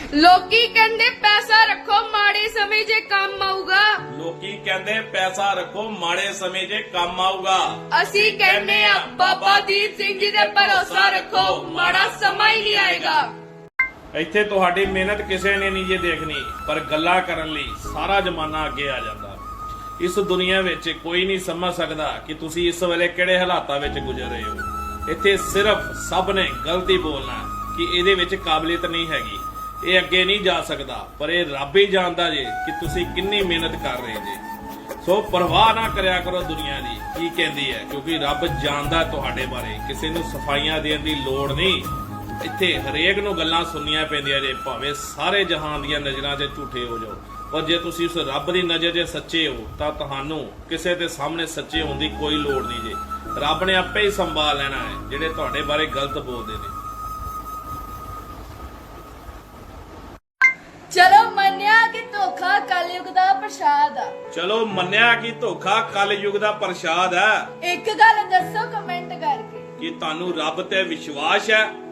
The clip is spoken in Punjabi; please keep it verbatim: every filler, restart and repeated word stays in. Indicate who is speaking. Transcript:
Speaker 1: ਲੋਕੀ ਕਹਿੰਦੇ ਪੈਸਾ ਰੱਖੋ ਮਾੜੇ ਸਮੇਂ 'ਚ ਕੰਮ ਆਊਗਾ।
Speaker 2: ਲੋਕੀ ਕਹਿੰਦੇ ਪੈਸਾ ਰੱਖੋ ਮਾੜੇ ਸਮੇਂ 'ਚ ਕੰਮ ਆਊਗਾ।
Speaker 1: ਅਸੀਂ ਕਹਿੰਦੇ ਆ ਬਾਬਾ ਦੀਪ ਸਿੰਘ ਜੀ ਤੇ ਭਰੋਸਾ ਰੱਖੋ, ਮਾੜਾ ਸਮਾਂ ਹੀ ਨਹੀਂ ਆਏਗਾ।
Speaker 2: ਇੱਥੇ ਤੁਹਾਡੀ ਮਿਹਨਤ ਕਿਸੇ ਨੇ ਨਹੀਂ ਜੇ ਦੇਖਣੀ, ਪਰ ਗੱਲਾਂ ਕਰਨ ਲਈ ਸਾਰਾ ਜ਼ਮਾਨਾ ਅੱਗੇ ਆ ਜਾਂਦਾ। ਇਸ ਦੁਨੀਆ ਵਿੱਚ ਕੋਈ ਨਹੀਂ ਸਮਝ ਸਕਦਾ ਕਿ ਤੁਸੀਂ ਇਸ ਵੇਲੇ ਕਿਹੜੇ ਹਾਲਾਤਾਂ ਵਿੱਚ ਗੁਜ਼ਰ ਰਹੇ ਹੋ। ਇੱਥੇ ਸਿਰਫ ਸਭ ਨੇ ਗਲਤੀ ਬੋਲਣਾ ਕਿ ਇਹਦੇ ਵਿੱਚ ਕਾਬਲੀਅਤ ਨਹੀਂ ਹੈਗੀ, ਇਹ ਅੱਗੇ ਨਹੀਂ ਜਾ ਸਕਦਾ, ਪਰ ਇਹ ਰੱਬ ਹੀ ਜਾਣਦਾ ਜੇ ਕਿ ਤੁਸੀਂ ਕਿੰਨੀ ਮਿਹਨਤ ਕਰ ਰਹੇ ਜੇ। ਸੋ ਪਰਵਾਹ ਨਾ ਕਰਿਆ ਕਰੋ ਦੁਨੀਆ ਦੀ ਕੀ ਕਹਿੰਦੀ ਹੈ, ਕਿਉਂਕਿ ਰੱਬ ਜਾਣਦਾ ਤੁਹਾਡੇ ਬਾਰੇ। ਕਿਸੇ ਨੂੰ ਸਫਾਈਆਂ ਦੇਣ ਦੀ ਲੋੜ ਨਹੀਂ। ਇੱਥੇ ਹਰੇਕ ਨੂੰ ਗੱਲਾਂ ਸੁਣਨੀਆਂ ਪੈਂਦੀਆਂ ਜੇ, ਭਾਵੇਂ ਸਾਰੇ ਜਹਾਨ ਦੀਆਂ ਨਜ਼ਰਾਂ 'ਚ ਝੂਠੇ ਹੋ ਜਾਓ, ਪਰ ਜੇ ਤੁਸੀਂ ਉਸ ਰੱਬ ਦੀ ਨਜ਼ਰ 'ਚ ਸੱਚੇ ਹੋ ਤਾਂ ਤੁਹਾਨੂੰ ਕਿਸੇ ਦੇ ਸਾਹਮਣੇ ਸੱਚੇ ਹੋਣ ਦੀ ਕੋਈ ਲੋੜ ਨਹੀਂ ਜੇ। ਰੱਬ ਨੇ ਆਪੇ ਹੀ ਸੰਭਾਲ ਲੈਣਾ ਹੈ ਜਿਹੜੇ ਤੁਹਾਡੇ ਬਾਰੇ ਗਲਤ ਬੋਲਦੇ ਨੇ।
Speaker 1: ਚਲੋ ਮੰਨਿਆ ਕਿ ਧੋਖਾ ਕਲਯੁਗ ਦਾ ਪ੍ਰਸ਼ਾਦ ਆ।
Speaker 2: ਚਲੋ ਮੰਨਿਆ ਕਿ ਧੋਖਾ ਕਲਯੁਗ ਦਾ ਪ੍ਰਸ਼ਾਦ ਹੈ।
Speaker 1: ਇੱਕ ਗੱਲ ਦੱਸੋ ਕਮੈਂਟ ਕਰਕੇ
Speaker 2: ਕਿ ਤੁਹਾਨੂੰ ਰੱਬ ਤੇ ਵਿਸ਼ਵਾਸ ਹੈ।